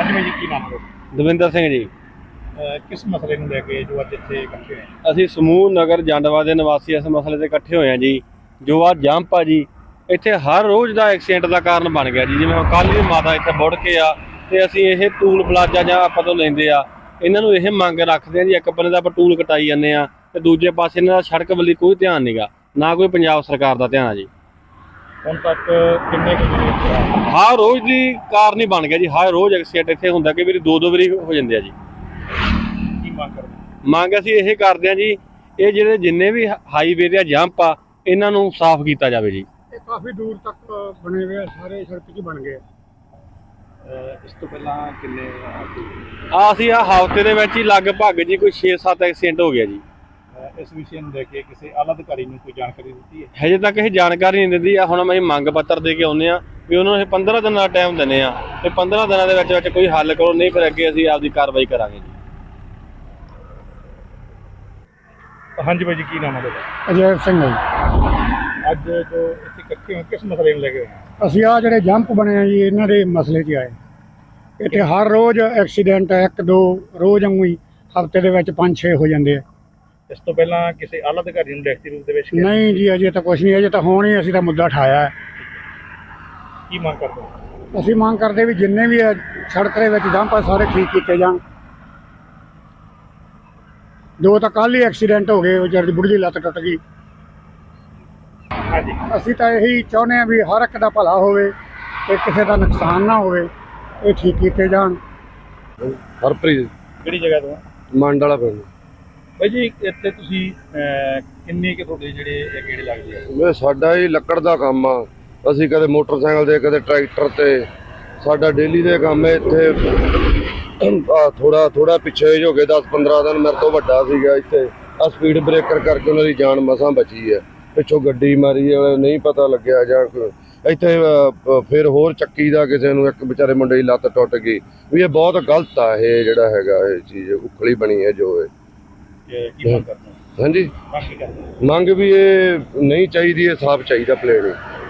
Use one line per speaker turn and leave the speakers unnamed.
ਹਾਂਜੀ ਬਾਈ ਜੀ, ਕੀ ਨਾਮ ਹੈ?
ਦਵਿੰਦਰ ਸਿੰਘ ਜੀ।
ਕਿਸ ਮਸਲੇ ਨੂੰ ਲੈ ਕੇ ਜੋ ਅੱਜ ਇੱਥੇ ਇਕੱਠੇ ਹੋਏ ਆ?
ਅਸੀਂ ਸਮੂਹ ਨਗਰ ਜੰਡਵਾ ਦੇ ਨਿਵਾਸੀ ਇਸ ਮਸਲੇ ਤੇ ਇਕੱਠੇ ਹੋਏ ਹਾਂ ਜੀ। ਜੋ ਆ ਜੰਪ ਆ ਜੀ, ਇੱਥੇ ਹਰ ਰੋਜ਼ ਦਾ ਐਕਸੀਡੈਂਟ ਦਾ ਕਾਰਨ ਬਣ ਗਿਆ ਜੀ। ਜਿਵੇਂ ਕੱਲ੍ਹ ਵੀ ਮਾਤਾ ਇੱਥੇ ਮੁੜ ਕੇ ਆ ਤੇ ਅਸੀਂ ਇਹ ਟੂਲ ਪਲਾਜ਼ਾ ਜਾਂ ਆਪਾਂ ਤੋਂ ਲੈਂਦੇ ਆ, ਇਹਨਾਂ ਨੂੰ ਇਹ ਮੰਗ ਰੱਖਦੇ ਆ ਜੀ। ਇੱਕ ਬੰਨੇ ਦਾ ਆਪਾਂ ਟੂਲ ਕਟਾਈ ਜਾਂਦੇ ਆ ਤੇ ਦੂਜੇ ਪਾਸੇ ਇਹਨਾਂ ਦਾ ਸੜਕ ਵੱਲ ਕੋਈ ਧਿਆਨ ਨਹੀਂਗਾ, ਨਾ ਕੋਈ ਪੰਜਾਬ ਸਰਕਾਰ ਦਾ ਧਿਆਨ ਆ ਜੀ।
ਹੁਣ ਤੱਕ ਕਿੰਨੇ ਕੁ
ਹਰ ਰੋਜ਼ ਦੀ ਕਾਰਨ ਹੀ ਬਣ ਗਿਆ ਜੀ। ਹਰ ਰੋਜ਼ ਐਕਸੀਡੈਂਟ ਇੱਥੇ ਹੁੰਦਾ ਕਿ ਵਾਰੀ ਦੋ ਵਾਰੀ ਹੋ ਜਾਂਦੇ ਆ ਜੀ।
ਕੀ ਮੰਗ ਕਰਦੇ?
ਮੰਗ ਅਸੀਂ ਇਹ ਕਰਦੇ ਆ ਜੀ, ਇਹ ਜਿਹੜੇ ਜਿੰਨੇ ਵੀ ਹਾਈਵੇ ਦੇ ਜੰਪ ਆ ਇਹਨਾਂ ਨੂੰ ਸਾਫ਼ ਕੀਤਾ ਜਾਵੇ ਜੀ।
ਇਹ ਕਾਫੀ ਦੂਰ ਤੱਕ ਬਣੇ ਹੋਏ ਆ, ਸਾਰੇ ਸੜਕ 'ਚ ਬਣ ਗਏ।
ਇਸ ਤੋਂ ਪਹਿਲਾਂ ਕਿੰਨੇ
ਅਸੀਂ ਆ ਹਫ਼ਤੇ ਦੇ ਵਿੱਚ ਹੀ ਲਗਭਗ ਜੀ ਕੋਈ 6-7 ਐਕਸੀਡੈਂਟ ਹੋ ਗਿਆ ਜੀ।
ਇਸ ਵਿਸ਼ੇ ਨੂੰ ਲੈ ਕੇ ਕਿਸੇ ਆਲਾ ਅਧਿਕਾਰੀ ਨੂੰ ਕੋਈ ਜਾਣਕਾਰੀ ਦਿੱਤੀ ਹੈ?
ਹਜੇ ਤੱਕ ਇਹ ਜਾਣਕਾਰੀ ਨਹੀਂ ਦਿੰਦੀ ਆ। ਹੁਣ ਅਸੀਂ ਮੰਗ ਪੱਤਰ ਦੇ ਕੇ ਆਉਂਦੇ ਆ ਵੀ ਉਹਨਾਂ ਨੂੰ ਇਹ 15 ਦਿਨਾਂ ਦਾ ਟਾਈਮ ਦਿੰਦੇ ਆ ਤੇ 15 ਦਿਨਾਂ ਦੇ ਵਿੱਚ ਕੋਈ ਹੱਲ ਕਰੋ, ਨਹੀਂ ਫਿਰ ਅੱਗੇ ਅਸੀਂ ਆਪਦੀ ਕਾਰਵਾਈ ਕਰਾਂਗੇ ਜੀ।
ਹਾਂਜੀ ਬਾਈ ਜੀ, ਕੀ ਨਾਮ ਹੈ ਤੁਹਾਡਾ?
ਅਜੈ ਸਿੰਘ ਹੈ ਜੀ।
ਅੱਜ ਜੋ ਇੱਥੇ ਇਕੱਠੇ ਹੋ ਕਿਸ ਮਸਲੇ ਨੂੰ ਲੈ ਕੇ ਹੋਏ ਆ?
ਅਸੀਂ ਆ ਜਿਹੜੇ ਜੰਪ ਬਣੇ ਆ ਜੀ, ਇਹਨਾਂ ਦੇ ਮਸਲੇ 'ਚ ਆਏ। ਇੱਥੇ ਹਰ ਰੋਜ਼ ਐਕਸੀਡੈਂਟ 1-2 ਰੋਜ਼ ਵਾਂਗੂ ਹੀ ਹਫ਼ਤੇ ਦੇ ਵਿੱਚ 5-6 ਹੋ ਜਾਂਦੇ ਆ।
ਇਸ ਤੋਂ ਪਹਿਲਾਂ ਕਿਸੇ ਆਲਾ ਅਧਿਕਾਰੀ ਨੂੰ ਲਿਖਤੀ ਰੂਪ ਦੇ ਵਿੱਚ
ਨਹੀਂ ਜੀ, ਅਜੇ ਤਾਂ ਕੁਛ ਨਹੀਂ, ਅਜੇ ਤਾਂ ਹੁਣ ਹੀ ਅਸੀਂ ਤਾਂ ਮੁੱਦਾ ਉਠਾਇਆ ਹੈ।
ਕੀ ਮੰਗ ਕਰਦੇ ਹੋ?
ਅਸੀਂ ਮੰਗ ਕਰਦੇ ਵੀ ਜਿੰਨੇ ਵੀ ਆ ਸੜਕ ਦੇ ਵਿੱਚ ਜੰਪ ਆ ਸਾਰੇ ਠੀਕ ਕੀਤੇ ਜਾਣ। 2 ਤਾਂ ਕੱਲ੍ਹ ਹੀ ਐਕਸੀਡੈਂਟ ਹੋ ਗਏ, ਵਿਚਾਰੀ ਦੀ ਬੁੜੀ ਦੀ ਲੱਤ ਟੁੱਟ ਗਈ।
ਹਾਂਜੀ,
ਅਸੀਂ ਤਾਂ ਇਹੀ ਚਾਹੁੰਦੇ ਹਾਂ ਵੀ ਹਰ ਇੱਕ ਦਾ ਭਲਾ ਹੋਵੇ ਤੇ ਕਿਸੇ ਦਾ ਨੁਕਸਾਨ ਨਾ ਹੋਵੇ, ਇਹ ਠੀਕ ਕੀਤੇ ਜਾਣ।
ਹਰਪ੍ਰੀਤ
ਕਿਹੜੀ ਜਗ੍ਹਾ ਤੋਂ?
ਮੰਡ ਵਾਲਾ ਪਿੰਡ।
ਬਾਈ ਜੀ, ਇੱਥੇ ਤੁਸੀਂ ਕਿੰਨੇ ਕਿ ਤੁਹਾਡੇ ਜਿਹੜੇ ਗੇੜੇ ਲੱਗਦੇ ਆ?
ਸਾਡਾ ਹੀ ਲੱਕੜ ਦਾ ਕੰਮ ਆ। ਅਸੀਂ ਕਦੇ ਮੋਟਰਸਾਈਕਲ ਤੇ ਕਦੇ ਟਰੈਕਟਰ ਤੇ, ਸਾਡਾ ਡੇਲੀ ਦੇ ਕੰਮ ਹੈ। ਇੱਥੇ ਥੋੜਾ ਪਿੱਛੇ ਹੋ ਗਏ 10-15 ਦਿਨ ਮੇਰੇ ਤੋਂ ਵੱਡਾ ਸੀਗਾ ਇੱਥੇ, ਆ ਸਪੀਡ ਬ੍ਰੇਕਰ ਕਰਕੇ ਉਹਨਾਂ ਦੀ ਜਾਨ ਮਸਾਂ ਬਚੀ ਹੈ। ਪਿੱਛੋਂ ਗੱਡੀ ਮਾਰੀ ਵਾਲੇ ਨਹੀਂ ਪਤਾ ਲੱਗਿਆ ਜਾਂ ਇੱਥੇ ਫਿਰ ਹੋਰ ਚੱਕੀ ਦਾ ਕਿਸੇ ਨੂੰ ਇੱਕ ਵਿਚਾਰੇ ਮੁੰਡੇ ਦੀ ਲੱਤ ਟੁੱਟ ਗਈ। ਵੀ ਇਹ ਬਹੁਤ ਗਲਤ ਆ, ਇਹ ਜਿਹੜਾ ਹੈਗਾ ਇਹ ਚੀਜ਼ ਉਖਲੀ ਬਣੀ ਹੈ ਜੋ ਇਹ।
ਕੀ ਮੰਗ ਕਰਦੇ ਹੋ?
ਹਾਂਜੀ,
ਮੰਗ ਕੀ ਕਰਦੇ ਹੋ?
ਮੰਗ ਵੀ ਇਹ ਨਹੀਂ ਚਾਹੀਦੀ, ਇਹ ਸਾਫ਼ ਚਾਹੀਦਾ ਪਲੇਨ।